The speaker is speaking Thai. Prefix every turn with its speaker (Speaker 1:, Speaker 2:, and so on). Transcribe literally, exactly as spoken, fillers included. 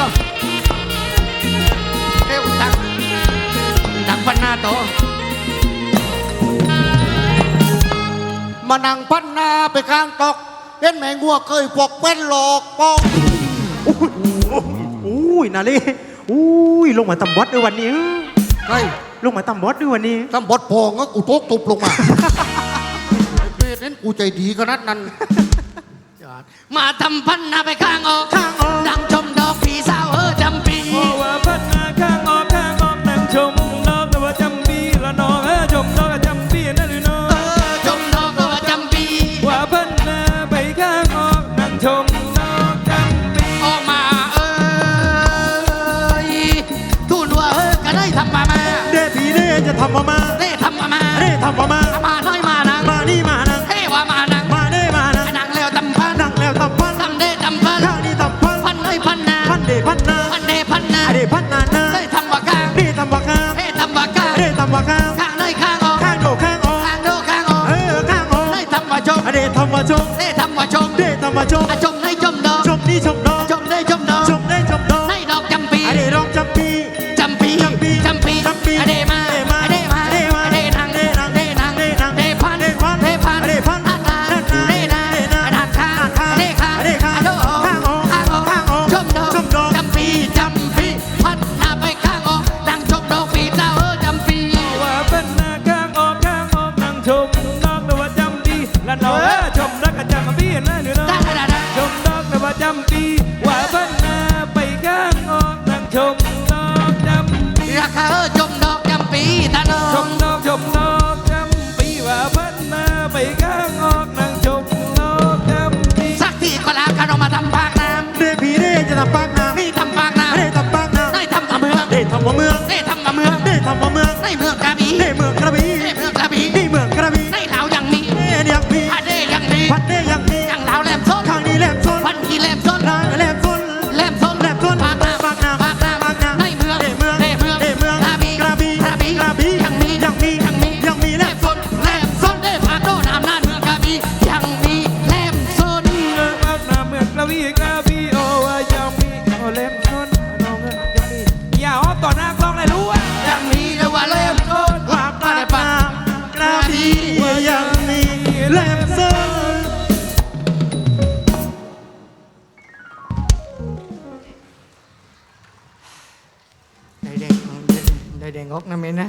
Speaker 1: ก็เอ้วตักตักพันหน้าโตมานั่งพันหน้าไปข้างตกเห็นแมงวัวเคยปกเป็นหลอกปอง
Speaker 2: อุ้ยนาลีอุ้ยลงมาตำบอสด้วยวันนี้
Speaker 1: ใช่
Speaker 2: ลงมาตำบอสด้วยวันนี้
Speaker 1: ตำบอสพองก็กูโต๊ะตุบลงมาไอ้เป็ดนั้นกูใจดีขนาดนั้นมาทำพันนาไปข้างออกข้างออกดังชมดอกผีสาวเออจำปี
Speaker 3: ว่าพันนาข้างออกข้างออกดังชมดอกแต่ว่าจำปีละน้องเออชมดอกจำปีนั่นหรือน้อง
Speaker 1: เออชมดอกแต่ว่าจำปี
Speaker 3: ว่าพันนาไปข้างออกดังชมดอกจำปี
Speaker 1: ออกมาเออทูนว่าเออก็ได้ทำมามา
Speaker 2: เด้ผีเด้จะทำมามา
Speaker 1: เด้ทำมามา
Speaker 2: เด้ทำมามา
Speaker 1: มาน้อยมานัง
Speaker 2: มานี่มานัง
Speaker 1: เฮ้ว่ามานัง
Speaker 2: มาเด้มานัง
Speaker 1: นังแล้วตำพัน
Speaker 2: นังแล้วตำพัน
Speaker 1: ตำเด้ตำพัน
Speaker 2: ข้านี่ตำพัน
Speaker 1: พันเลยพันนา
Speaker 2: พันเด้พันนา
Speaker 1: พันเด้พันนา
Speaker 2: เด้พันนานา
Speaker 1: ได้ทำว่าข้าง
Speaker 2: เด้ทำว่าข้าง
Speaker 1: เด้ทำว่าข้าง
Speaker 2: เด้ทำว่าข้าง
Speaker 1: ข้างเลยข้างออก
Speaker 2: ข้างโดข้างออก
Speaker 1: ข้างโดข้างออก
Speaker 2: เออข้างออก
Speaker 1: ได้ทำว่าชม
Speaker 2: เด้ทำว่าชม
Speaker 1: เด้ทำว่าชม
Speaker 2: เด้ทำว่าชม
Speaker 1: ชมได้ชมดอก
Speaker 2: ชมนี่ชมดอก
Speaker 1: ชมได้ชมดอก
Speaker 2: ชมได้ชมดอก
Speaker 1: ได้ดอกจำปี
Speaker 2: เด้ดอกจำปี
Speaker 1: จำปี
Speaker 2: จำปี
Speaker 1: จำปี
Speaker 2: จำปี
Speaker 1: เด้มาเด้มาเด้มาเด้มาเด้นางเด้นางเด้นางเด้นางเด้พันเด้พันเด้พันเด้พันอันนาเด้นาอันข้าเด้ข้าเด้ข้าโดข้างออกข้างออกข้างออกชมดอกชมดอกจำปีจำปีพันนาไปข้างออกดังชมดอกปีเจ้าเออจำปี
Speaker 3: ว่าพันนาข้างออกข้างออกดังชมดอกแต่ว่าจำปีละน้องเออชมดอกจำปีนั่นหรือน้องชมดอกแต่ว่าจำปีว่าพันนาไปข้างออกดังชมดอกจำปี
Speaker 1: ราคาเออชมดอกจำปีตาโน
Speaker 3: ชมดอกชมดอกจำปีว่าพันนาไปข้างออกดังชมดอกจำปี
Speaker 1: สักทีก็แล้วกันออกมาทำปากน้ำ
Speaker 2: เด้ผีเด้จะทำปากน้ำ
Speaker 1: นี่ทำปากน้ำ
Speaker 2: เด้ทำปากน้ำ
Speaker 1: ได้ทำกับเมือง
Speaker 2: เด้ทำว่าเมือง
Speaker 1: ได้ทำกับเมือง
Speaker 2: เด้ทำว่าเมือง
Speaker 1: ได้เมืองกระบี่
Speaker 2: เด้เมืองกระบี่
Speaker 1: ได้เมืองกระบี่
Speaker 2: นี่เมืองกระบี่
Speaker 1: ได้เหลาอย่างนี้
Speaker 2: เด้ยังมี
Speaker 1: พัดเด้อย่างนี้
Speaker 2: พัดเด้ยังมี
Speaker 1: อย่างเหลาแหลมส้น
Speaker 2: ข้างนี้แหลมส้น
Speaker 1: พันทีแหลมส้น
Speaker 2: ร้านแหลมส้น
Speaker 1: แหลมส้น
Speaker 2: แหลมส้น
Speaker 1: ปากน้ำ
Speaker 2: ปากน้ำ
Speaker 1: ปากน้ำ
Speaker 2: ปากน้ำ
Speaker 1: ได้เมือง
Speaker 2: ได้เมือง
Speaker 1: ได้เมือง
Speaker 2: ได้เมือง
Speaker 1: กระบี่
Speaker 2: กระบี่
Speaker 1: กระบี่
Speaker 2: กระบี่
Speaker 1: ยังมี
Speaker 2: ยังมี
Speaker 1: ยังมี
Speaker 2: ยังมีแห
Speaker 1: แห
Speaker 2: ล
Speaker 1: ล
Speaker 2: ม
Speaker 1: มส้นแหลมส้นได้ปากโดนอำนาจเมืองกระบี่ยังมีแหลมส้น
Speaker 3: เมืองพัฒนาเมืองกระบี่กระบี่โอ้ว่ายังมีโอเล่มชนน้องเงินยังมีอย่าอ้อมต่อหน้ากล้องเลยรู้ว่า
Speaker 1: ยังมีเรียกว่าแหลมส้น
Speaker 2: ว่าปากน้ำกระบี่ยังมีแหลมส้น
Speaker 1: ได้แดงได้แดงงอกนะเมนนะ